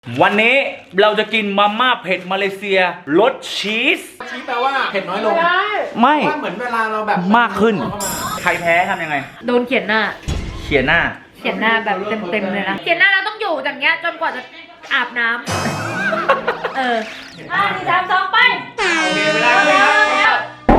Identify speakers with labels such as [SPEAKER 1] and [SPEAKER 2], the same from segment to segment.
[SPEAKER 1] วันนี้เราจะกินมาม่าเผ็ดมาเลเซียรสชีส
[SPEAKER 2] แปลว่าเผ็ดน้อยลง
[SPEAKER 1] ไม่
[SPEAKER 2] ว่าเหมือนเวลาเราแบบ
[SPEAKER 1] มากขึ้นใครแพ้ทำยังไง
[SPEAKER 3] โดนเขียนหน้าแบบเต็มเลยนะเขียนหน้าเราต้องอยู่อย่างเงี้ยจนกว่าจะอาบน้ำ4 3 2ไป
[SPEAKER 1] เวลาครับ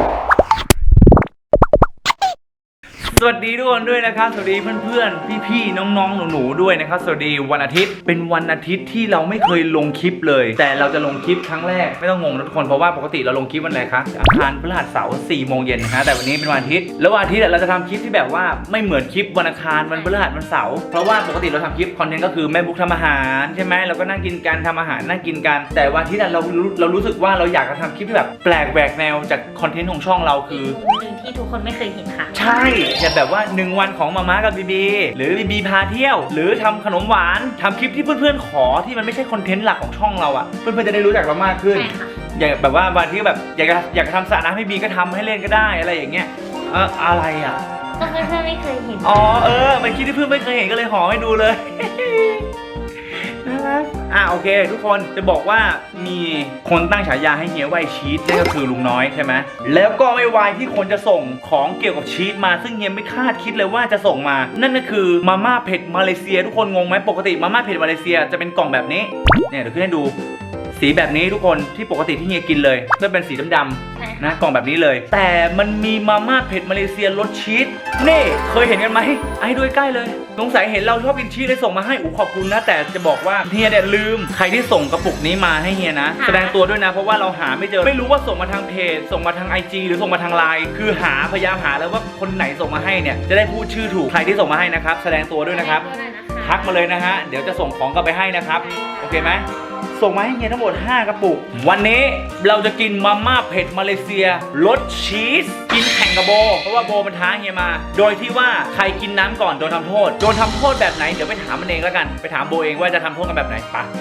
[SPEAKER 1] สวัสดีทุกคนด้วยนะครับสวัสดีเพื่อนๆพี่ๆน้องๆหนูๆด้วยนะครับสวัสดีวันอาทิตย์เป็นวันอาทิตย์ที่เราไม่เคยลงคลิปเลยแต่เราจะลงคลิปครั้งแรกไม่ต้องงงนะทุกคนเพราะว่าปกติเราลงคลิปวันอะไรคะอังคารพฤหัสเสาร์4 โมงเย็นนะฮะแต่วันนี้เป็นวันอาทิตย์แล้ววันอาทิตย์เราจะทำคลิปที่แบบว่าไม่เหมือนคลิปวันอังคารวันพฤหัสวันเสาร์เพราะว่าปกติเราทำคลิปคอนเทนต์ก็คือแม่บุ๊กทำอาหารใช่ไหมเราก็นั่งกินกันทำอาหารนั่งกินกันแต่วันอาทิตย์เรารู้สึกว่าเราอยากจะทำคลิปที่แบบแปลกแหวกแนวจากคอนเทนต์ของช่องเราคือ
[SPEAKER 3] หนึ่งที่ทุกคนไม่เคยเห็นค่ะ
[SPEAKER 1] ใช่แบบว่า1 วันของมาม่ากับบีบีหรือบีบีพาเที่ยวหรือทำขนมหวานทำคลิปที่เพื่อนๆขอที่มันไม่ใช่คอนเทนต์หลักของช่องเราอ่ะเพื่อนๆจะได้รู้จักเรามากขึ้นอย่างแบบว่าวันที่แบบอยากทำสระน้ำให้บีก็ทำให้เล่นก็ได้อะไรอย่างเงี้ยอะไรอ่ะ
[SPEAKER 3] ก็เพื่อนๆไม่เคยเห็น
[SPEAKER 1] มันคลิปที่เพื่อนไม่เคยเห็นก็เลยห่อให้ดูเลยน่ารักโอเคทุกคนจะบอกว่ามีคนตั้งฉายาให้เฮียว่าชีสนั่นก็คือลุงน้อยใช่ไหมแล้วก็ไม่วายที่คนจะส่งของเกี่ยวกับชีสมาซึ่งเฮียไม่คาดคิดเลยว่าจะส่งมานั่นก็คือมาม่าเผ็ดมาเลเซียทุกคนงงไหมปกติมาม่าเผ็ดมาเลเซียจะเป็นกล่องแบบนี้เนี่ยเดี๋ยวขึ้นให้ดูสีแบบนี้ทุกคนที่ปกติที่เฮียกินเลยก็เป็นสีดำๆนะกล่องแบบนี้เลยแต่มันมีมาม่าเผ็ดมาเลเซียรสชีสนี่เคยเห็นกันไหมให้ด้วยใกล้เลยสงสัยเห็นเราชอบกินชีสเลยส่งมาให้ขอบคุณนะแต่จะบอกว่าเฮียเนี่ยลืมใครที่ส่งกระปุกนี้มาให้เฮียนะแสดงตัวด้วยนะเพราะว่าเราหาไม่เจอไม่รู้ว่าส่งมาทางเพจส่งมาทาง IG หรือส่งมาทางไลน์คือพยายามหาแล้วว่าคนไหนส่งมาให้เนี่ยจะได้พูดชื่อถูกใครที่ส่งมาให้นะครับแสดงตัวด้วยนะครับทักมาเลยนะฮะเดี๋ยวจะส่งของกลับไปให้นะครับโอเคไหมส่งมาให้เฮียทั้งหมด5 กระปุกวันนี้เราจะกินมาม่าเผ็ดมาเลเซียรสชีสกินแข่งกับโบเพราะว่าโบมันท้าเฮียมาโดยที่ว่าใครกินน้ำก่อนโดนทำโทษแบบไหนเดี๋ยวไปถามมันเองแล้วกันไปถามโบเองว่าจะทำโทษกันแบบไหนปะ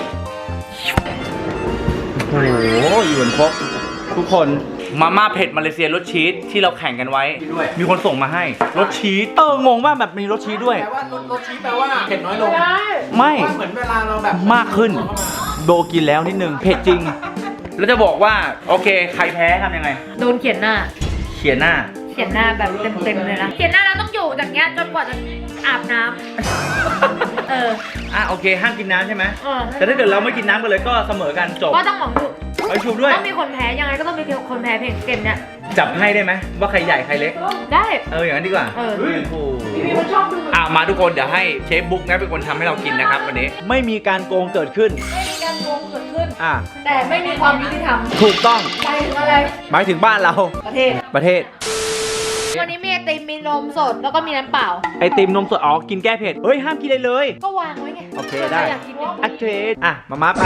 [SPEAKER 1] โอ้โหอยู่บนครบทุกคนมาม่าเผ็ดมาเลเซียรสชีสที่เราแข่งกันไว้มีคนส่งมาให้รสชีสงงมากแบบมีรสชีสด้วย
[SPEAKER 2] แปลว่ารสชีสแปลว่าเผ็ดน้อยลง
[SPEAKER 1] ไม่
[SPEAKER 2] ว่าเหมือนเวลาเราแบบ
[SPEAKER 1] มากขึ้นโบกินแล้วนิดนึงเผ็ดจริงแล้วจะบอกว่าโอเคใครแพ้ทำยังไง
[SPEAKER 3] โดนเขียนหน้าแบบเต็มเลยนะเขียนหน้าเราต้องอยู่อย่างเงี้ยจนกว่าจะอาบน้ำ
[SPEAKER 1] โอเคห้ามกินน้ำใช่ไหมแต่ถ้าเกิดเราไม่กินน้ำกันเลยก็เสมอกันจบ
[SPEAKER 3] ก็ต้องหวังดู
[SPEAKER 1] ไปชูด้วย
[SPEAKER 3] ต้องมีคนแพ้ยังไงก็ต้องมีคนแพ้เพลงเกมเนี้ย
[SPEAKER 1] จับให้ได้ไหมว่าใครใหญ่ใครเล็ก
[SPEAKER 3] ได้
[SPEAKER 1] อย่างนั้นดีกว่ามาทุกคนเดี๋ยวให้เชฟบุ๊กนะเป็นคนทำให้เรากินนะครับวันนี้ไม่มีการโกงเกิดขึ้น
[SPEAKER 3] แต่ไม่มีความยุติธรรม
[SPEAKER 1] ถูกต้อง
[SPEAKER 3] หมายถึงอะไร
[SPEAKER 1] หมายถึงบ้านเรา
[SPEAKER 3] ประเทศวันนี้มีไอติมมีนมสดแล้วก็มีน้ำเปล่า
[SPEAKER 1] ไอติมนมสดกินแก้เผ็ดเฮ้ยห้ามกินเลย
[SPEAKER 3] ก็วางไว้ไง
[SPEAKER 1] โอเคได้โอเคมาไป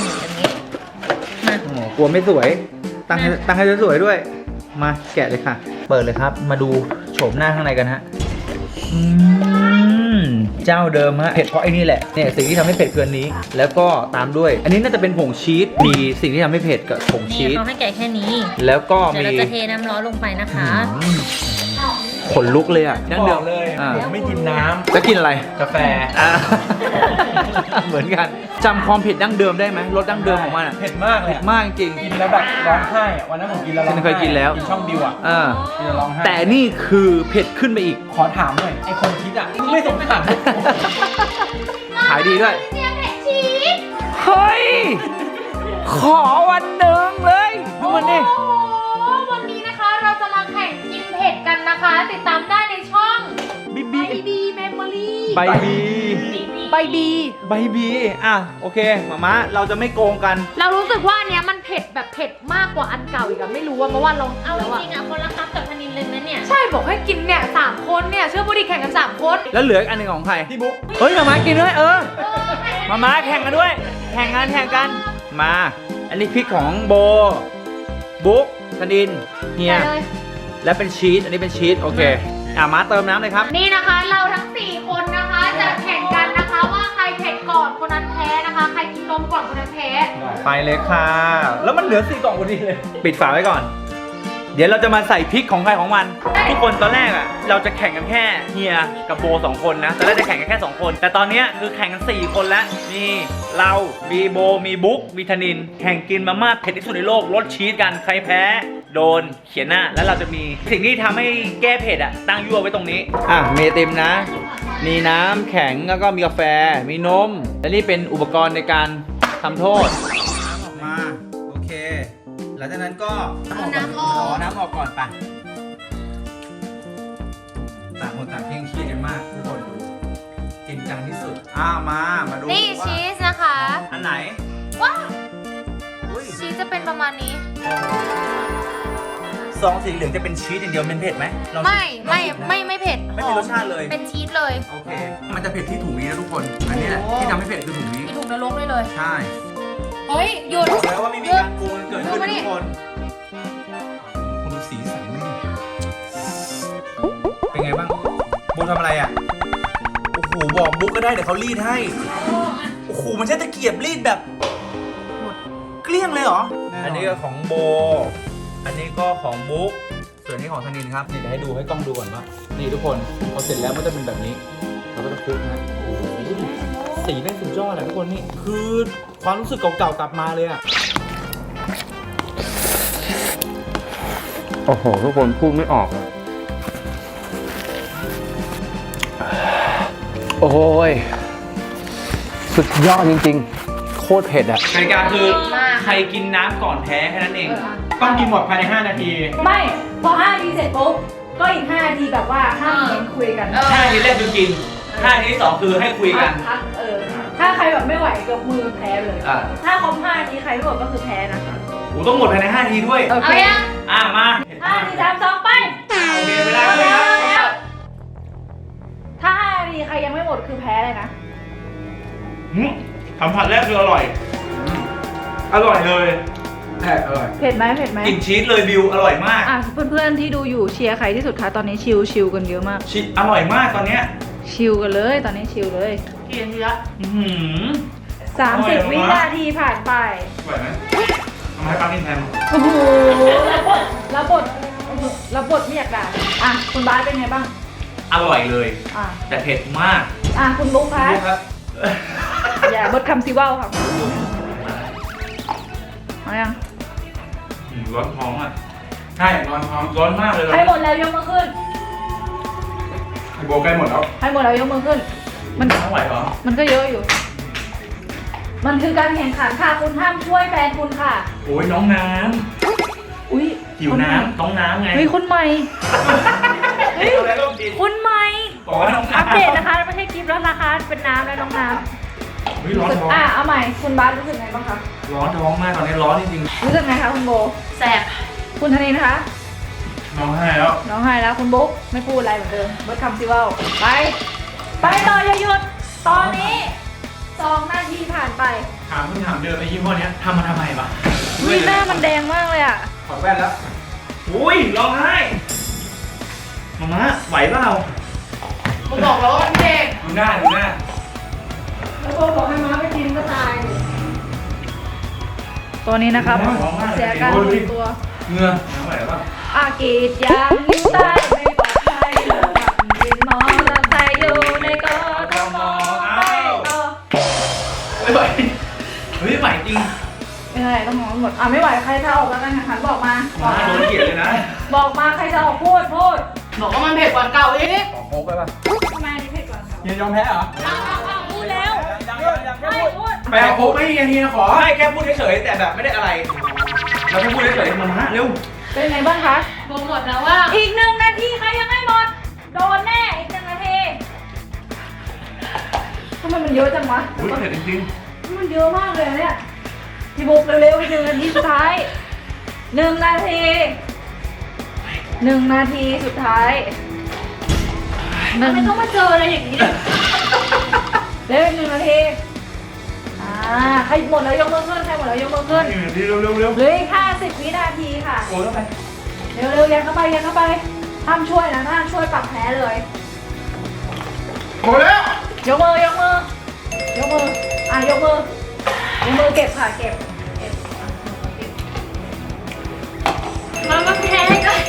[SPEAKER 1] กลัวไม่สวยตั้งให้สวยด้วยมาแกะเลยค่ะเปิดเลยครับมาดูโฉมหน้าข้างในกันฮะเจ้าเดิมฮะเผ็ดเพราะไอ้นี่แหละเนี่ยสิ่งที่ทำให้เผ็ดคืออันนี้แล้วก็ตามด้วยอันนี้น่าจะเป็นผงชีสมีสิ่งที่ทำให้เผ็ดกับผงชีส
[SPEAKER 3] เขาให้แกะแค่นี้
[SPEAKER 1] แล้วก็มี
[SPEAKER 3] เราจะเทน้ำร้อนลงไปนะคะ
[SPEAKER 1] ขนลุกเลยดั้งเดิม
[SPEAKER 2] เลยไม่กินน้ำ
[SPEAKER 1] จะกินอะไร
[SPEAKER 2] กาแฟ
[SPEAKER 1] เหมือนกันจำความเผ็ดดั้งเดิมได้ไหมรสดั้งเดิมของมัน
[SPEAKER 2] เผ็ดมากเลย
[SPEAKER 1] มากจริง
[SPEAKER 2] กินแล้วแบบร้องไห้วันนั้นผมกินแล้วร้องไห้
[SPEAKER 1] เคยกินแล้ว
[SPEAKER 2] กินช่องบิวกินแล้วร้องไห้
[SPEAKER 1] แต่นี่คือเผ็ดขึ้นไปอีก
[SPEAKER 2] ขอถามหน่อยไอคนคิดไม่สงสาร
[SPEAKER 1] ขายดีด้วยเฮ้ยขอวันหนึ่งเลยดูมันดิ
[SPEAKER 3] วันนี้นะคะเราจะมาแข่งกินเผ็ดกันนะคะติดตามได้ในช่องบีเมมโมรี่
[SPEAKER 1] ใบบีโอเคมาเราจะไม่โกงกัน
[SPEAKER 3] เรารู้สึกว่าเนี้ยมันเผ็ดแบบเผ็ดมากกว่าอันเก่าอีกไม่รู้ว่าเมื่อวานลองเอาจริงคนละคับกับธนินเลยนะเนี่ยใช่บอกให้กินเนี่ย3 คนเนี่ยเชื่อบุรีแข่งกัน3 คน
[SPEAKER 1] แล้วเหลืออันนึงของใคร
[SPEAKER 2] พี่บุ๊ก
[SPEAKER 1] เฮ้ยมากินด้วยมาแข่งกันด้วยแข่งกันมาอันนี้พริกของโบบุ๊กธนินเฮียและเป็นชีสอันนี้เป็นชีสโอเคมาเติมน้ำเลยครับ
[SPEAKER 3] นี่นะคะเราทั้ง4 คนนะคะจะแข่งกันนะคะว่าใครเผ็ดก่อนคนนั้นแพ้นะคะใครกินนมก่อนคนนั้นแพ้
[SPEAKER 1] ไปเลยค่ะแล้วมันเหลือ4 กล่องพอดีเลยปิดฝาไว้ก่อนดี๋ยวเราจะมาใส่พริกของใครของมัน ทุกคนตอนแรกอ่ะเราจะแข่งกันแค่เฮียกับโบ2คนนะตอนแรกจะแข่งกันแค่2คนแต่ตอนเนี้ยคือแข่งกัน4คนแล้วมีเรามีโบมีบุ๊กมีธนินแข่งกินมาม่าเผ็ดที่สุดในโลกรสชีสกันใครแพ้โดนเขียนหน้าแล้วเราจะมีสิ่งที่ทำให้แก้เผ็ดอ่ะตั้งยั่วไว้ตรงนี้มีไอติมนะมีน้ำแข็งแล้วก็มีกาแฟมีนมและนี่เป็นอุปกรณ์ในการทำโทษน้ำออกมาโอเคหลังจากนั้นก็น้ำออกก่อนไปต่างคนต่างเคร่งเครียดกันมากทุกคนดูจริงจังที่สุดมาดู
[SPEAKER 3] นี่
[SPEAKER 1] ว่า
[SPEAKER 3] ชีสนะคะ
[SPEAKER 1] อันไหน
[SPEAKER 3] ว้าว
[SPEAKER 1] อุ้ย
[SPEAKER 3] ชีสจะเป็นประมาณนี้
[SPEAKER 1] ซองสีเหลืองจะเป็นชีสอย่างเดียวมันเผ็ดไหมลอง
[SPEAKER 3] ไม่
[SPEAKER 1] ลองชิ
[SPEAKER 3] ไม่เผ็ด
[SPEAKER 1] ไม่มีรสชาติเลย
[SPEAKER 3] เป็นชีสเลย
[SPEAKER 1] โอเค มันจะเผ็ดที่ถุงนี้นะทุกคนอันนี้แหละที่ทำให้เผ็ดคือถุงนี้
[SPEAKER 3] มีถุงนรกด้วยเลย
[SPEAKER 1] ใช่
[SPEAKER 3] เฮ้ยหยุด
[SPEAKER 1] บอกแล้วว่าไม่มีการโกงเกิดขึ้น
[SPEAKER 3] ดูมา
[SPEAKER 1] นะ
[SPEAKER 3] ดิ
[SPEAKER 1] ทุกคนคุณดูสีสันนี่เป็นไงบ้างบูทำอะไรอ่ะโอ้โหบอกบุ๊กก็ได้เดี๋ยวเขารีดให้โอ้โหมันใช้ตะเกียบรีดแบบหมดเกลี้ยงเลยเหรออันนี้ก็ของโบอันนี้ก็ของบุ๊กส่วนนี้ของธนินครับนี่เดี๋ยวให้ดูให้กล้องดูก่อนว่านี่ทุกคนพอเสร็จแล้วมันจะเป็นแบบนี้เราก็จะคลุกนะโอ้โหสีแม่งสุดยอดเลยทุกคนนี่คือความรู้สึกเก่าๆกลับมาเลยอ่ะโอ้โหทุกคนพูดไม่ออกเลยโอ้ยสุดยอดจริงๆโคตรเผ็ดอ่ะกติกาคือใครกินน้ำก่อนแพ้แค่นั้นเองต้องกินหมดภายใน5 นาที
[SPEAKER 4] ไม่พอ5 นาทีเสร็จปุ๊บก็อีก5 นาทีแบบว่าห้ามเน้นคุยกัน
[SPEAKER 1] 5 นาทีแรกคือกิน5 นาทีที่2คือให้คุยกัน
[SPEAKER 4] พักถ้าใครแบบไม่ไหวยกมือแพ้เลย ถ้าครบ5 นาทีใครไม่หมดก็คือแพ้นะ
[SPEAKER 1] โอ้ต้องหมดภายใน5 นาทีด้วย
[SPEAKER 4] โอเค
[SPEAKER 3] เอายัง
[SPEAKER 1] มา
[SPEAKER 4] 5 นาที3 2ไป
[SPEAKER 1] โอเคไม่ได้เลยครับ
[SPEAKER 4] ถ้า5 นาทีใครยังไม่หมดคือแพ้เลยนะ
[SPEAKER 1] สัมผัสแรกคืออร่อยอร่อยเลยอร่อย
[SPEAKER 4] เผ็ดไหมเผ็ดไหม
[SPEAKER 1] กลิ่นชีสเลยบิวอร่อยมาก
[SPEAKER 4] เพื่อนๆที่ดูอยู่เชียร์ใครที่สุดคะตอนนี้ชิลกันเยอะมาก
[SPEAKER 1] ชีสอร่อยมากตอนเนี้ย
[SPEAKER 4] ชิลกันเลยตอนนี้ชิลเลยกี่นาทีละ
[SPEAKER 1] อื้อหือ
[SPEAKER 4] 30 วินาทีผ่านไป
[SPEAKER 1] ไหวไหมเอามาให้ป้ากินแทน
[SPEAKER 4] โอ้โหแล้วบทไม่อยากด่าคุณบาสเป็นไงบ้าง
[SPEAKER 1] อร่อยเลย
[SPEAKER 4] อ่ะ
[SPEAKER 1] แต่เผ็ดมาก
[SPEAKER 4] คุณบุ๊คคะ
[SPEAKER 1] ดูครับ
[SPEAKER 4] อย่าบดคำซิว่าวค่ะเอายัง
[SPEAKER 1] ร้อนท้องอ่ะใช่ร้อนท้องร้อนมากเลย
[SPEAKER 4] ใครหมดแล้วยกมือขึ้น
[SPEAKER 1] ไอโบใกล้หมดแล้ว
[SPEAKER 4] ใครหมดแล้วยกมือขึ้น มัน
[SPEAKER 1] ไม่ไหวเหรอ
[SPEAKER 4] มันก็เยอะอยู่ มันคือการแข่งขันค่ะคุณห้ามช่วยแฟนคุณค่ะ
[SPEAKER 1] โอ้ยน้องน้
[SPEAKER 4] อุ้ย
[SPEAKER 1] ำหิวน้ำน้องน้ำไง
[SPEAKER 4] เฮ้ยคนใหม่ เฮ้ย
[SPEAKER 1] อะไรก็กิน
[SPEAKER 4] คนใหม่
[SPEAKER 1] บอกว่าน้องน้ำ
[SPEAKER 4] อัปเดตนะคะไม่ใช่คลิปแล้วนะคะเป็นน้ำแล้วน้องน้
[SPEAKER 1] เฮ้ยร้อน
[SPEAKER 4] ำ
[SPEAKER 1] ท้อง
[SPEAKER 4] เอาใหม่คุณบาสรู้สึกไงบ้างคะ
[SPEAKER 1] ร้อนท้องมากตอนนี้ร้อนจริง
[SPEAKER 4] รู้สึกไงคะคุณโบ
[SPEAKER 3] แสบ
[SPEAKER 4] คุณธนินนะคะ
[SPEAKER 1] ๆน้องให้แล้ว
[SPEAKER 4] น้องไห้แล้วคุณบุ๊กไม่พูดอะไรเหมือนเดิมเบิร์ดคำซิว่าวไปต่ออย่าหยุดตอนนี้2 นาทีผ่านไป
[SPEAKER 1] ถามคำถามเดิมไอ้ยี่ห้อเนี้ยทำมาทำไมวะ
[SPEAKER 4] วิหน้ามันแดงมากเลยอ่ะ
[SPEAKER 1] ถอดแว่นแล้วอุ้ยร้องไห้มาม่าไหวเปล่า
[SPEAKER 3] ผมบอกแล้วว่าพี่เด็ก
[SPEAKER 1] ดูหน้า
[SPEAKER 4] แล้วโบบอกให้ม้าไปกินก็ตายตัวนี้นะครับ
[SPEAKER 1] ร้องไห้
[SPEAKER 4] เสียการรู้ตัว
[SPEAKER 1] เหงื่อน้ำไหวเปล่า
[SPEAKER 4] อากรีดยางลิ้วใต้ไม่ปลอดภัยเลยกินมอเตอร์ไซค์อยู่ในกทมไปต่อ
[SPEAKER 1] ไม่ไหวเฮ้ยไหวจริง
[SPEAKER 4] ไม่ได้ต้องมองหมดไม่ไหวใครจะออกแล้วกันนะคะบอกมา
[SPEAKER 1] มาโดนเกลียดเลยนะ
[SPEAKER 4] บอกมาใครจะออกพูด
[SPEAKER 3] บอกว่ามันเผ็ดกว่าเก่าอีก
[SPEAKER 1] ขอโค้กไปป่ะ
[SPEAKER 4] ทำไมอันนี้เผ็ดกว่าครับ
[SPEAKER 1] ยังยอมแพ้เหรอ
[SPEAKER 4] พูดแล้ว
[SPEAKER 1] ไม่พูดไปเอาโค้กไม่เฮียขอให้แค่พูดเฉยๆแต่แบบไม่ได้อะไร เราแค่พูดเฉยๆมาม่าเร็ว
[SPEAKER 4] เป็นไงบ้างคะ
[SPEAKER 3] บอกหมดแล้วว่า
[SPEAKER 4] อีก1 นาทีใครยังไม่หมด โดนแน่อีก1 นาทีทำไมมันเยอะจังวะ
[SPEAKER 1] อุ้ยเผ็ดจริง
[SPEAKER 4] มันเยอะมากเลยอะเนี่ยพี่บุ๊กเร็วๆอีก1 นาทีสุดท้าย1 นาที1 นาทีสุดท้าย
[SPEAKER 3] ไม่ต้องมาเจออะไรอย่างนี้เลย
[SPEAKER 4] เร็วอีก1 นาทีใครหมดแล้วยกมือขึ้นใครหมดแล้วยกมือขึ้น
[SPEAKER 1] ๆเร็วๆเร็วๆเร็ว
[SPEAKER 4] เหลืออีก50 วินาทีค่ะ
[SPEAKER 1] โอ้ยต้องไป
[SPEAKER 4] เร็วๆยันเข้าไปห้ามช่วยนะห้ามช่วยปรับแพ้เลย
[SPEAKER 1] โอ้แล้ว
[SPEAKER 4] ยกมือยกมืยกมือเก็บค่ะเก็บ
[SPEAKER 3] มันก็แพ้กัน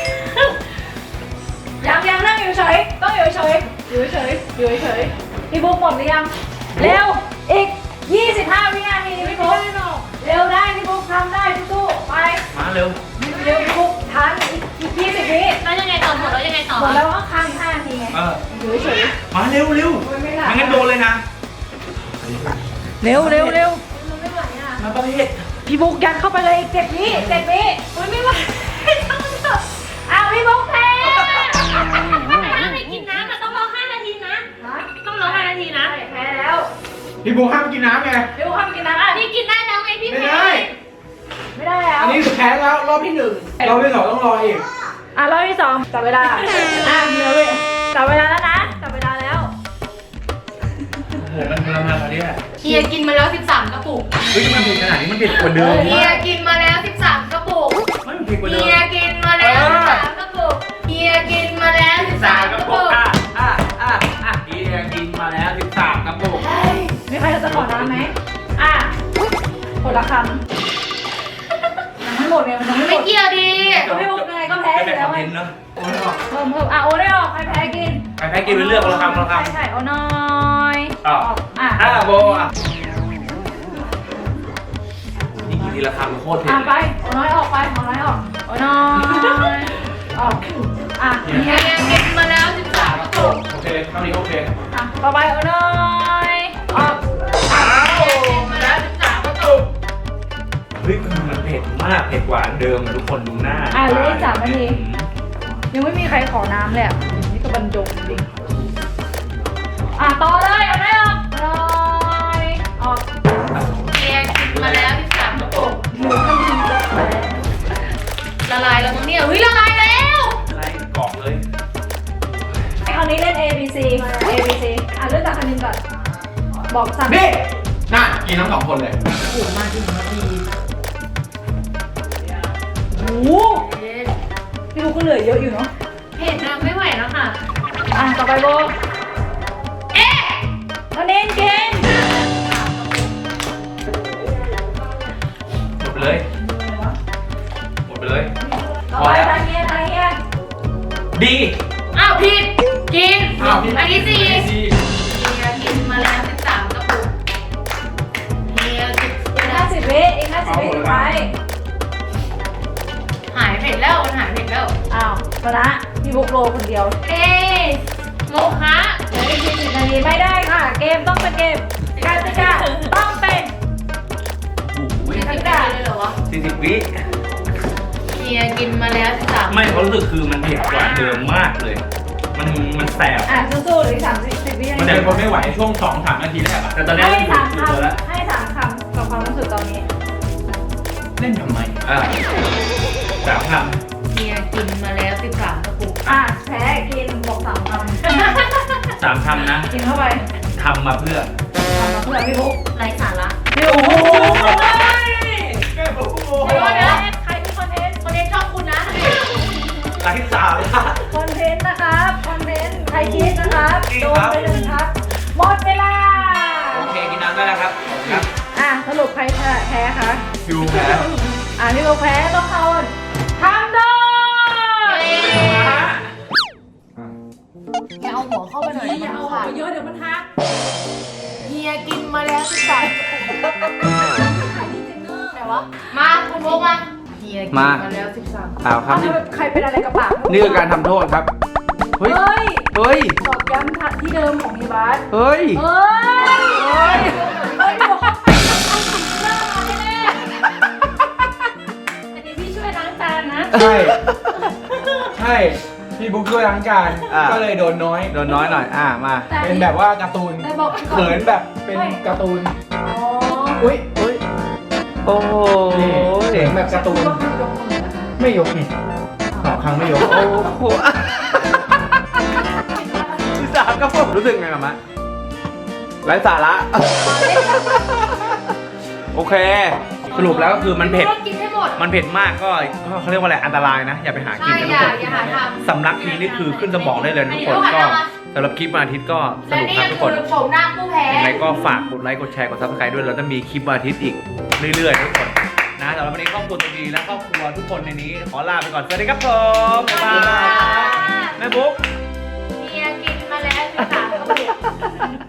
[SPEAKER 4] เฉยอยู่เฉยอยู่เฉยพี่บุ๊กหมดหรือยังเร็วอีก25 วินาทีพี่บุ๊กเร็วได้พี่บุ๊กทำได้สู้ๆไป
[SPEAKER 1] มาเร็ว
[SPEAKER 4] เร็วพี่บุ๊กทันอีก20 วิ
[SPEAKER 3] แล้วยังไงต่อหมดแล้วยังไงต่อ
[SPEAKER 4] หมดแล้วก็ค้าง5 นาทีไง อยู่เฉย
[SPEAKER 1] มาเร็วเร็วไม่งั้นโดนเลยนะ
[SPEAKER 4] เร็วเร็วเร็ว
[SPEAKER 3] มันไม่ไหวอ่ะ
[SPEAKER 1] มาประเภท
[SPEAKER 4] พี่บุ๊กยัดเข้าไปเลยอีก7 วิ7 วิมันไม่ไหวอ้าวพี่บุ๊กแพ้
[SPEAKER 3] ไม่กินน้ำอ่ะต้องรอ5 นาทีนะ ต้องรอ5 นาทีนะ
[SPEAKER 4] แพ้แล้ว
[SPEAKER 2] พี่บุ๊คห้ามกินน้ำไง
[SPEAKER 4] พี่บุ๊กห้ามกินน้ำอ่ะ
[SPEAKER 3] พี่กินได้แล้วไงพี่
[SPEAKER 2] ไม่
[SPEAKER 3] แพ้
[SPEAKER 2] ได้
[SPEAKER 4] ไม่ได้แล้ว
[SPEAKER 2] อันนี้คือแพ้แล้วรอบที่ 1รอบที่ 2ต้องรออีก
[SPEAKER 4] รอบที่2จับเวลาเดี๋ยวจับเวลาแล้วนะจับเวลาแล้ว
[SPEAKER 1] โอ้โหมันทรมานตอนนี้แหละ
[SPEAKER 3] เฮียกินมาแล้ว13 กระปุก
[SPEAKER 1] เฮ้ยมันเผ็ดขนาดนี้มันเผ็ดกว่าเดิม
[SPEAKER 3] เฮียกินมาแล้ว13 กระปุก
[SPEAKER 1] ไม่มันเผ็ดกว่าเดิม
[SPEAKER 3] เฮียกินมาแล้ว13 กระปุกเฮียกินมาแล้ว13 กระปุก
[SPEAKER 1] เฮียกินมาแล้ว13 กระปุก
[SPEAKER 4] มีใครจะขอน้ำไหมคนละคำทั้งหมดเนี่ยมันจะไม่หม
[SPEAKER 3] ไม่
[SPEAKER 4] ด
[SPEAKER 3] เกี่ยวดี
[SPEAKER 4] พี่บุ๊กยังไงก็แพ้อยู่แล้ว
[SPEAKER 1] คอน
[SPEAKER 4] ไง
[SPEAKER 1] เทนต์เนอะ
[SPEAKER 2] โอ้ยออก
[SPEAKER 4] เพิ่มโอ้ได้ออกใครแพ้กิน
[SPEAKER 1] ไปแพ้กินไปเลือกคนละคำคนละค
[SPEAKER 4] ใช่โอ้น้อย
[SPEAKER 1] ำอ่ะโบอ่ะนี่กินทีละคำโคตรเผ็ด
[SPEAKER 4] ไป
[SPEAKER 1] เลย
[SPEAKER 4] โอ้น้อยออกไปโอ้น้อยออกโอ้น้อยออก
[SPEAKER 3] เฮียกินมาแล้ว13 กระปุก
[SPEAKER 1] โอเคเท่านี้โอเค
[SPEAKER 4] ต่อไปโอ้น้อยออก
[SPEAKER 3] เฮียกินมาแล้ว13 กระปุก
[SPEAKER 1] เฮ้ยมันเผ็ดมากเผ็ดกว่าเดิมอะทุกคนดูหน้า
[SPEAKER 4] เหลืออีก3 นาทียังไม่มีใครขอน้ำเลยอ่ะนี่ก็บรรจงจริงต่อเลยโอ้น้อยออกโอ้น้อยออก
[SPEAKER 3] เฮียกินมาแล้ว13 กระปุกละลายแล้วมั้งเนี่ยเฮ้ยละลายแล้ว
[SPEAKER 1] อะไรกรอบเลย
[SPEAKER 4] คราวนี้เล่น A B C A B C เริ่มจากคณินก่อนบอกสั่ง
[SPEAKER 2] นี่น่ากินทั้ง2 คนเลย
[SPEAKER 4] โอ้โหพี่บุ๊กก็เหลือเยอะอยู่เนาะ
[SPEAKER 3] เผ็ดนะไม่ไหวแล้วค่ะ
[SPEAKER 4] ต่อไปโบคณินกิน
[SPEAKER 1] หมดไปเลยหมดไปเลย
[SPEAKER 4] ต่อไปทางเงี้ย
[SPEAKER 1] ดี
[SPEAKER 3] อ้าวผิดกิน
[SPEAKER 2] อ้าวพี่
[SPEAKER 3] อันที่4
[SPEAKER 2] พี่
[SPEAKER 3] เฮียกินมาแล้ว13 กระปุกเฮียกิน
[SPEAKER 4] อีก50 วิอีก50 วิสุดท้าย
[SPEAKER 3] หายเผ็ดแล้วมันหายเผ็ดแล้ว
[SPEAKER 4] ชนะพี่บุ๊กโรคนเดียว
[SPEAKER 3] เอ๊ะโมคะ
[SPEAKER 4] เหลืออีก40 นาทีไม่ได้ค่ะ เกมต้องเป็นเกมกติกาต้องเป็น
[SPEAKER 3] ไม่ได้เลยเหรอวะ
[SPEAKER 1] 40 วิ
[SPEAKER 3] เฮียกินมาแล้ว13
[SPEAKER 1] ไม่เขารู้สึกคือมันเผ็ดกว่าเดิมมากเลย มันแสบ
[SPEAKER 4] สู้ๆเหลืออีก30 วินา
[SPEAKER 2] มัน
[SPEAKER 4] ที
[SPEAKER 2] จะคนไม่ไหวช่วง 2-3 นาทีแรกอะ
[SPEAKER 1] แต่ตอนนี้
[SPEAKER 4] ให้
[SPEAKER 1] อยู่
[SPEAKER 4] 3
[SPEAKER 1] ตัวแล้ว
[SPEAKER 4] คำให้3 คำกับความรู้สึกตอนนี้
[SPEAKER 2] เล่นทำไม
[SPEAKER 1] 3 ค
[SPEAKER 3] เฮียกินมาแล้ว13 กระปุก
[SPEAKER 4] แพ้กินบอก3 คำ
[SPEAKER 1] ำ3 คำนะ
[SPEAKER 4] กินเข้าไป
[SPEAKER 1] ทำมาเพื่อ
[SPEAKER 4] ทำมาเพื่อพี่บุ๊ก
[SPEAKER 3] ไร้สาระ
[SPEAKER 4] พี่บุ๊ก
[SPEAKER 2] แก้ผมโมโห
[SPEAKER 3] เดี๋ยวนะ
[SPEAKER 4] ใครเป็นคอนเทนต์
[SPEAKER 3] คนเล่นชอบคุณนะ
[SPEAKER 1] ไร้สาระ
[SPEAKER 4] คอนเทนต์นะครับคอนเทนต์ใครคิดนะครับ
[SPEAKER 1] จริง
[SPEAKER 4] โด
[SPEAKER 1] คน รับ
[SPEAKER 4] ไป1 ทักหมดเวลา
[SPEAKER 1] โอเคกินน้ำได้แล้วครับครับ
[SPEAKER 4] สรุปใครแพ้คะ
[SPEAKER 1] คิวแพ้
[SPEAKER 4] พี่บุ๊กแพ้ต้องเอาทำโดย
[SPEAKER 3] อย่าเอาหัวเข้าไปหน่อย
[SPEAKER 4] อย่าเอาไปเยอะเดี๋ยวมันหัก
[SPEAKER 3] เฮียกินมาแล้ว13 แต่ว่ามาคุณโมมาเฮียกินมาแล้ว13
[SPEAKER 1] เอาครับ
[SPEAKER 4] ใครเป็นอะไรกับปาก
[SPEAKER 1] นี่คือการทำโทษครับ เฮ้ย
[SPEAKER 4] เฮ้ย
[SPEAKER 1] เฮ้ย
[SPEAKER 4] ตอกย้ำทัดที่เดิมของพี่บาส
[SPEAKER 1] เฮ้ย
[SPEAKER 4] เฮ้ยบอกอันนี้พี่ช่วยล้างจานนะ
[SPEAKER 2] ใช่ ใช่ พี่บุ๊คช่วยล้างจาน ก็เลยโดนน้อย
[SPEAKER 1] โดนน้อยหน่อย มา
[SPEAKER 2] เป็นแบบว่าการ์ตูน
[SPEAKER 4] แต่บอก
[SPEAKER 2] เขินแบบเป็นการ์ตูน
[SPEAKER 4] อ๋อ
[SPEAKER 2] อุ้ย
[SPEAKER 1] โอ้โห
[SPEAKER 2] นี่เสียงแบบการ์ตูน
[SPEAKER 4] ก็คือยกมือนะคะ
[SPEAKER 2] ไม่ยกนี่2 ครั้งไม่ยก
[SPEAKER 1] โอ้โห13 ครับผมรู้สึกไงกับมะไร้สาระ โอเค สรุปแล้วก็คือมันเผ็ด
[SPEAKER 3] กินให้หมด
[SPEAKER 1] มันเผ็ดมากก็เขาเรียกว่าอะไร อันตรายนะ อย่าไปหากิน
[SPEAKER 3] ใช่
[SPEAKER 1] นะทุกคน
[SPEAKER 3] อย่าหาทำ
[SPEAKER 1] สำลักทีนี่คือขึ้นสมองได้เลยนะทุกคนก็สำหรับคลิปวันอาทิตย์ก็ส
[SPEAKER 3] และ
[SPEAKER 1] นุก
[SPEAKER 3] นี่
[SPEAKER 1] ครับ
[SPEAKER 3] ก็
[SPEAKER 1] ทุกค
[SPEAKER 3] คื
[SPEAKER 1] น
[SPEAKER 3] อผมหน้าผู้แพ้
[SPEAKER 1] ยังไงก็ฝากกดไลค์ กดแชร์ กด subscribe ด้วย เราจะมีคลิปวันอาทิตย์อีกเรื่อยๆทุกคนนะสำหรับวันนี้ครอบครัวตัวดีและครอบครัวทุกคนในนี้ ขอลาไปก่อน สวัสดีครับผม บ๊ายบายแม่บุ๊ก
[SPEAKER 3] เฮียกิน
[SPEAKER 4] ค่ะก็เผ็ด